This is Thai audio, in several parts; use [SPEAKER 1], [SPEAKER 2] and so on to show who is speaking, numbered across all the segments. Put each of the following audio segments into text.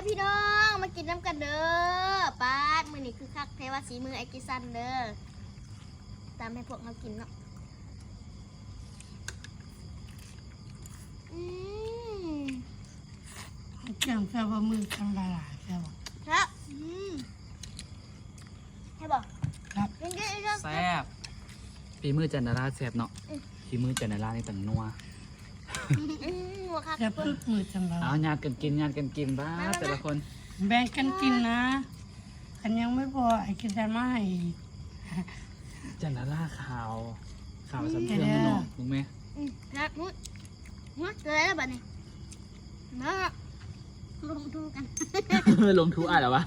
[SPEAKER 1] พี่น้องมากินน้ำกันเด้อป้าดมือนี่คือคักเทวาสีมือไอกิซันเด้อตามให้พวกเรากินเนาะ
[SPEAKER 2] เกี่ยงแค่ว่ามือทำละลายแค่ว่า
[SPEAKER 1] ครับให้บอก
[SPEAKER 2] ครับ
[SPEAKER 1] กินกินกิน
[SPEAKER 3] แซ่บฝีมือจันดาราแซ่บเนาะฝีมือจันดารานี่ต่างนัว
[SPEAKER 1] หัวคัก
[SPEAKER 2] จะพึกมือทำละ
[SPEAKER 3] เอา
[SPEAKER 2] ลาย
[SPEAKER 3] ญาติกันกินบ้าแต่ละคน
[SPEAKER 2] แบ่งกันกินนะกันยังไม่พอไอ้กินแต่ไม่ให้อีก
[SPEAKER 3] จันดาราขาวสำเพ็งเนาะถูกไหม
[SPEAKER 1] ครับมุดเจอแล้วบัดนี้มาลงทูกัน
[SPEAKER 3] ลงทุกอ่ะเหรอวะ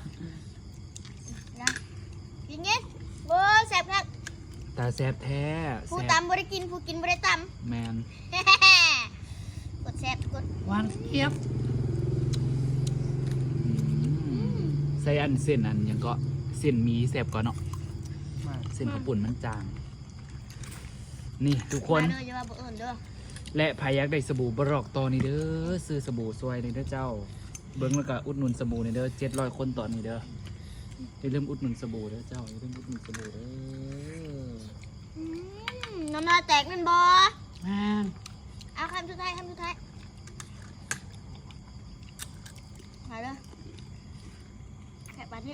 [SPEAKER 1] กินเงี้ยโอ้แซ่บครับ
[SPEAKER 3] ตาแซ่บแท้
[SPEAKER 1] ผู้
[SPEAKER 3] แซ่บ
[SPEAKER 1] ตำบ่ได้กินผู้กินบ่ได้ต
[SPEAKER 3] แมน
[SPEAKER 1] ำกดแซ่บกด
[SPEAKER 2] หวานเทียบ
[SPEAKER 3] ใส่อันเส้นอันยังก็เส้นหมีแซ่บก่อนเนาะเส้นข้าวปุ่นมันจาง นี่ทุกคน
[SPEAKER 1] มาเด้ออย่าว่าบ่เอิ้นเด้อ
[SPEAKER 3] และพายักได้สบู่บรอกตอนี่เด้อซื้อสบู่ซวยนี่เด้อเจ้า เบิ้งแล้วก็อุดหนุนสบู่นี่เด้อ700 คนต่อนี่เด้ออย่าลืมอุดหนุนสบู่เด้อเจ้าอย่าลืมอุดหนุนสบู่เด้อ
[SPEAKER 1] น้ำลายแตกนั่นบ่
[SPEAKER 2] แม่น
[SPEAKER 1] เอาคำสุดท้ายมาเด้อแค่บัดนี้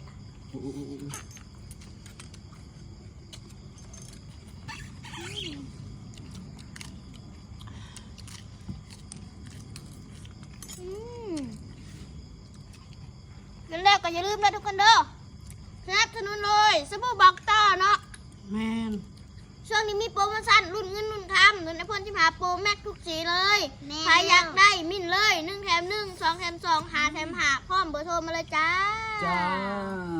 [SPEAKER 1] กันแล้วก็อย่าลืมนะทุกคนเด้อสนับสนุนเลยสบู่บอกต่อเนาะ
[SPEAKER 2] แม่น
[SPEAKER 1] ช่วงนี้มีโปรโมชั่นรุ่นเงินรุ่นคำเงินในพ่นที่หาโปรแม็กทุกสีเลยใครอยากได้มินเลย1 แถม 1 2 แถม 2 หาแถมหาพร้อมเบอร์โทรมาเลยจ้า
[SPEAKER 3] จ้า